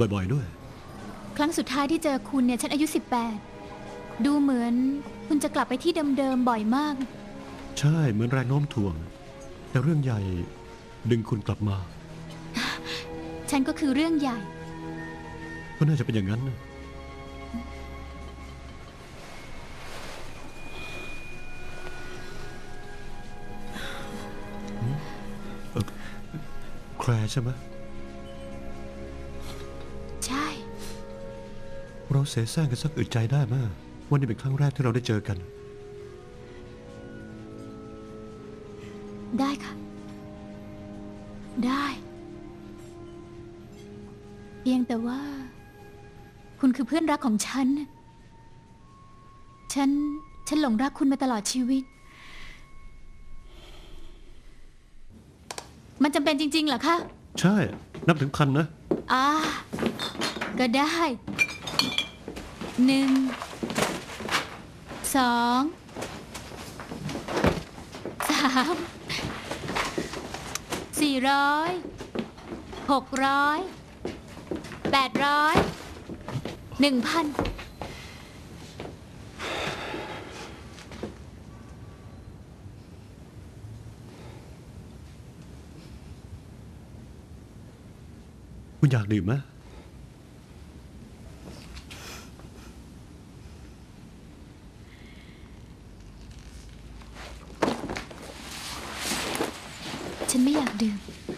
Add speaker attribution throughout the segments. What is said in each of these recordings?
Speaker 1: บ่อยๆด้วย
Speaker 2: ครั้งสุดท้ายที่เจอคุณเนี่ยฉันอายุ18ดูเหมือนคุณจะกลับไปที่เดิมๆบ่อยมาก
Speaker 1: ใช่เหมือนแรงโน้มถ่วงแต่เรื่องใหญ่ดึงคุณกลับมา
Speaker 2: ฉันก็คือเรื่องใหญ่
Speaker 1: ก็น่าจะเป็นอย่างนั้นนะแคลร์ใช่ไหม
Speaker 2: ใช่
Speaker 1: เราเสแสร้งกันสักอึดใจได้มากวันนี้เป็นครั้งแรกที่เราได้เจอกัน
Speaker 2: ได้ค่ะได้เพียงแต่ว่าคุณคือเพื่อนรักของฉันหลงรักคุณมาตลอดชีวิตมันจำเป็นจริงๆเหรอคะ
Speaker 1: ใช่นับถึงพันนะ
Speaker 2: ก็ได้1 2 3 400 600 800 1,000
Speaker 1: คุณอยากดื่มไหม
Speaker 2: ฉันไม่อยากดื่ม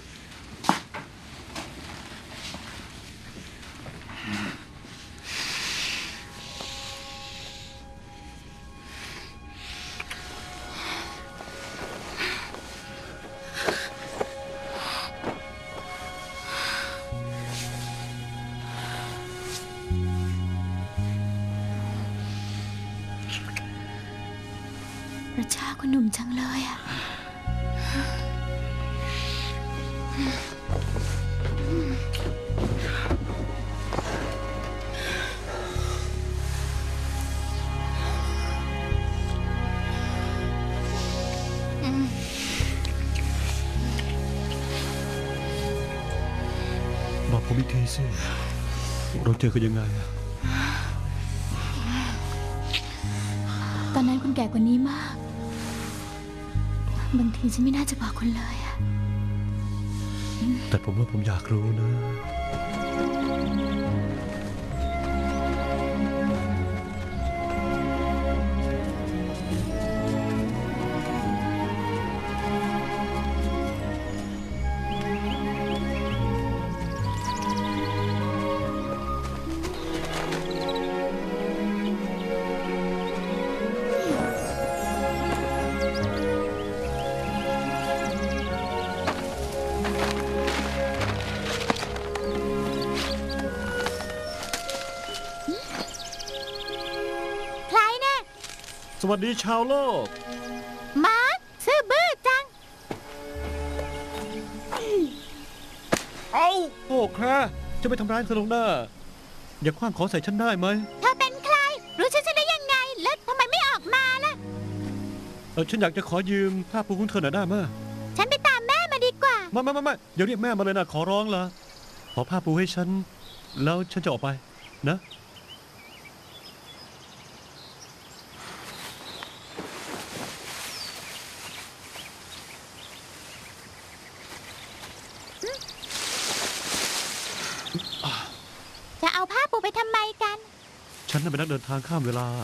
Speaker 2: พระเจ้าคุณหนุ่มจังเลยอะ
Speaker 1: บอกผมอีกทีสิเราเจอกันยังไงอะ
Speaker 2: ตอนนั้นคุณแก่กว่านี้มากบางทีฉันไม่น่าจะบอกคุณเลยอะ
Speaker 1: แต่ผมว่าผมอยากรู้นะสวัสดีชาวโลก
Speaker 2: มาร์คซื่อบื้อจัง
Speaker 1: เอาโอ้แคร์จะไปทำร้ายเธอลงหน้าอย่าคว้างของใส่ฉันได้ไหม
Speaker 2: เธอเป็นใครรู้ฉันได้ยังไงแล้วทำไมไม่ออกมาล่ะ
Speaker 1: ฉันอยากจะขอยืมผ้าปูของเธอหน่อยได้ไหม
Speaker 2: ฉันไปตามแม่มาดีกว่า
Speaker 1: ไม่อย่าเรียกแม่มาเลยนะขอร้องละขอผ้าปูให้ฉันแล้วฉันจะออกไปนะ
Speaker 2: จะเอาผ้าปูไปทำไมกัน
Speaker 1: ฉันเป็นนักเดินทางข้ามเวลา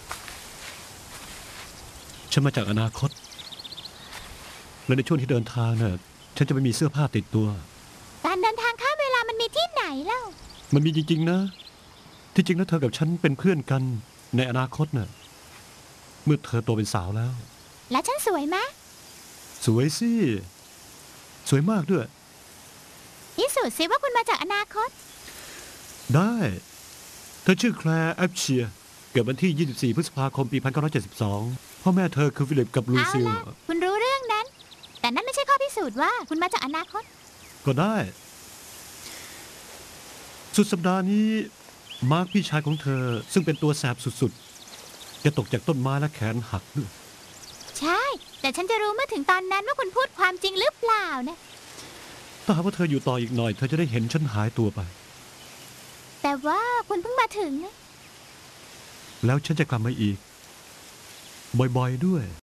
Speaker 1: ฉันมาจากอนาคตและในช่วงที่เดินทางเนี่ยฉันจะไม่มีเสื้อผ้าติดตัว
Speaker 2: การเดินทางข้ามเวลามันมีที่ไหนเล่า
Speaker 1: มันมีจริงๆนะที่จริงแล้วเธอกับฉันเป็นเพื่อนกันในอนาคตน่ะเมื่อเธอโตเป็นสาวแล้ว
Speaker 2: แล้วฉันสวยไหม
Speaker 1: สวยสิสวยมากด้วย
Speaker 2: พิสูจน์สิว่าคุณมาจากอนาคต
Speaker 1: ได้เธอชื่อแคลร์แอปเชียเกิดวันที่24 พฤษภาคม ปี 1972พ่อแม่เธอคือฟิลิปกับลูซิล
Speaker 2: คุณรู้เรื่องนั้นแต่นั่นไม่ใช่ข้อพิสูจน์ว่าคุณมาจากอนาคต
Speaker 1: ก็ได้สุดสัปดาห์นี้มาร์คพี่ชายของเธอซึ่งเป็นตัวแสบสุดๆจะตกจากต้นไม้และแขนหักด้วย
Speaker 2: ใช่แต่ฉันจะรู้เมื่อถึงตอนนั้นว่าคุณพูดความจริงหรือเปล่านะ
Speaker 1: ถ้าหากว่าเธออยู่ต่ออีกหน่อยเธอจะได้เห็นฉันหายตัวไป
Speaker 2: แต่ว่าคุณเพิ่งมาถึงนะ
Speaker 1: แล้วฉันจะกลับมาอีก บ่อยๆด้วย